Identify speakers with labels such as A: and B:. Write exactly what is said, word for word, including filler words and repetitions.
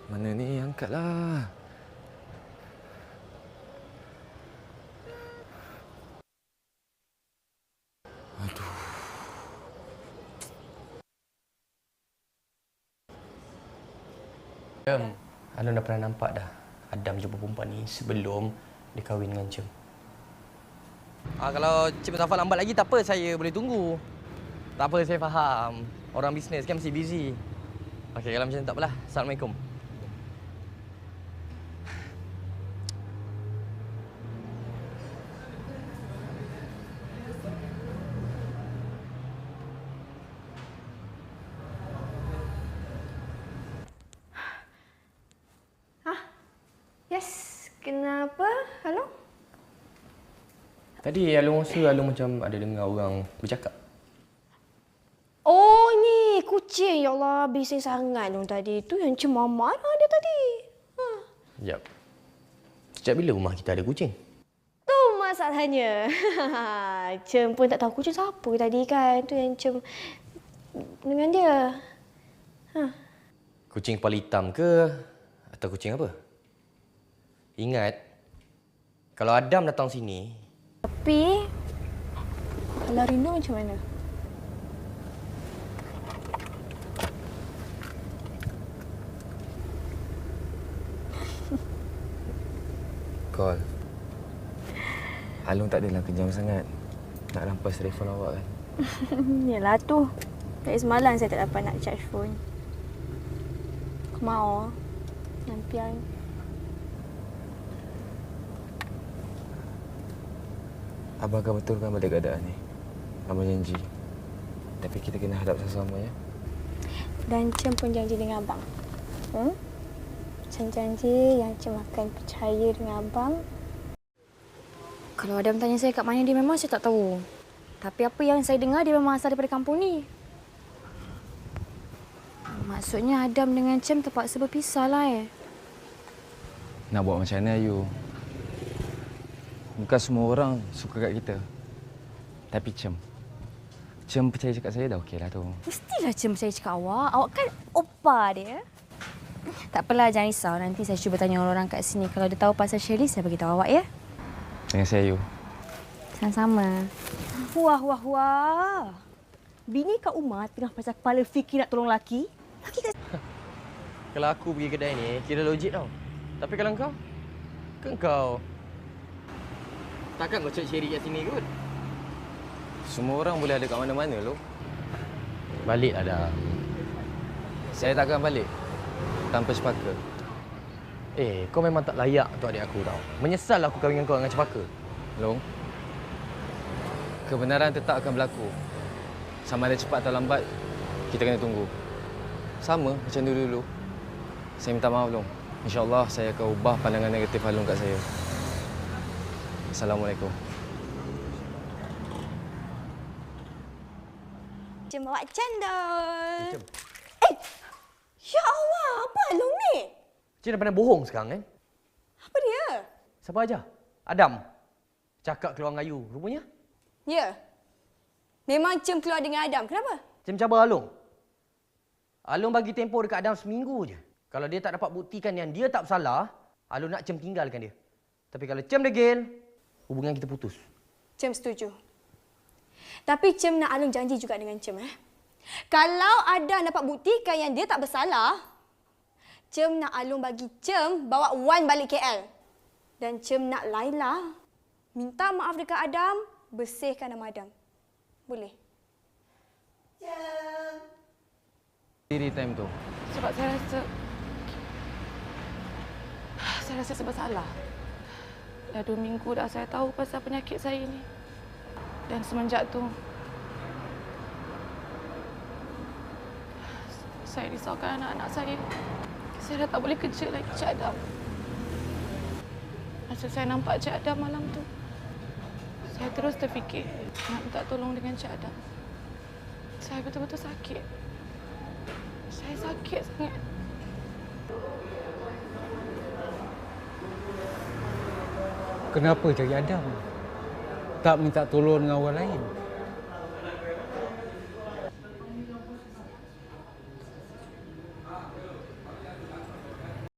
A: Mana ni? Angkatlah. Aduh.
B: Cem, Alun dah pernah nampak dah Adam jumpa perempuan ni sebelum dia kahwin dengan Cem.
C: Ah, kalau Cik Mustafa lambat lagi, tak apa, saya boleh tunggu. Tak apa, saya faham. Orang bisnes kan mesti busy. Okey, kalau macam tu tak apalah. Assalamualaikum.
D: Hah? Yes, kenapa? Halo?
B: Tadi Alun rasa Alun macam ada dengar orang bercakap.
D: Oh, ni kucing. Ya Allah, bising sangat dong tadi. Tu yang cemama lah dia tadi. Ha.
B: Sekejap. Sejak bila rumah kita ada kucing?
D: Tu masalahnya. Cem pun tak tahu kucing siapa tadi kan. Tu yang Cem dengan dia. Ha.
B: Kucing kepala hitam ke? Atau kucing apa? Ingat, kalau Adam datang sini...
D: Tapi, kalau Rino macam mana?
A: Call. Alung tak adalah kejam sangat. Nak rampas telefon awak kan?
D: Yalah tu. Dari semalam saya tak dapat nak charge phone. Aku mau. Nampian.
A: Abang akan betulkan balik keadaan ni. Abang janji. Tapi kita kena hadap sama-sama ya.
D: Dan Cem pun janji dengan abang. Hmm? Cem janji yang Cem akan percaya dengan abang. Kalau Adam tanya saya kat mana dia, memang saya tak tahu. Tapi apa yang saya dengar, dia memang asal daripada kampung ni. Maksudnya Adam dengan Cem terpaksa berpisah lah eh.
A: Nak buat macam mana Ayu? Bukan semua orang suka kat kita. Tapi Cem. Cem percaya cakap saya dah okeylah tu.
D: Mestilah Cem percaya cakap awak. Awak kan opa dia. Tak apalah, jangan risau. Nanti saya cuba tanya orang-orang kat sini. Kalau dia tahu pasal Shirley, saya beritahu awak ya.
A: Dengan saya Ayu.
D: Sama-sama. Wah, wah, wah. Bini Kak Umar tengah pasal kepala fikir nak tolong laki. Laki kat...
C: Kalau aku pergi kedai ni, kira logik tau. Tapi kalau kau, ke kau takkan kau cari Sherry kat sini kot?
A: Semua orang boleh ada kat mana-mana loh.
C: Baliklah dah.
A: Saya takkan balik tanpa sepaka.
C: Eh, kau memang tak layak untuk adik aku tau. Menyesal aku kahwin dengan kau dengan cepaka.
A: Long, kebenaran tetap akan berlaku. Sama ada cepat atau lambat, kita kena tunggu. Sama macam dulu-dulu. Saya minta maaf, Long. InsyaAllah saya akan ubah pandangan negatif Alung kat saya. Assalamualaikum.
D: Cem bawa cendol.
C: Cem.
D: Eh! Ya Allah, apa Alung ni?
C: Cik dah pandai bohong sekarang kan?
D: Apa dia?
C: Siapa aja? Adam. Cakap keluar dengan Ayu. Rupanya,
D: Ya. Memang Cem keluar dengan Adam. Kenapa?
C: Cem cabar Alung. Alung bagi tempoh dekat Adam seminggu je. Kalau dia tak dapat buktikan yang dia tak bersalah, Alung nak Cem tinggalkan dia. Tapi kalau Cem degil, hubungan kita putus.
D: Cem setuju. Tapi Cem nak Alung janji juga dengan Cem. Eh? Kalau Adam dapat buktikan yang dia tak bersalah, Cem nak Alung bagi Cem bawa Wan balik K L. Dan Cem nak Laila minta maaf dekat Adam, bersihkan nama Adam. Boleh? Cem.
A: Diri time tu.
E: Sebab saya rasa... Saya rasa serba salah. Dah dua minggu dah saya tahu pasal penyakit saya ini. Dan semenjak tu... Saya risaukan anak-anak saya. Saya dah tak boleh kerja lagi, Cik Adam. Masa saya nampak Cik Adam malam tu, saya terus terfikir nak minta tolong dengan Cik Adam. Saya betul-betul sakit. Saya sakit sangat.
F: Kenapa cari Adam? Tak minta tolong dengan orang lain?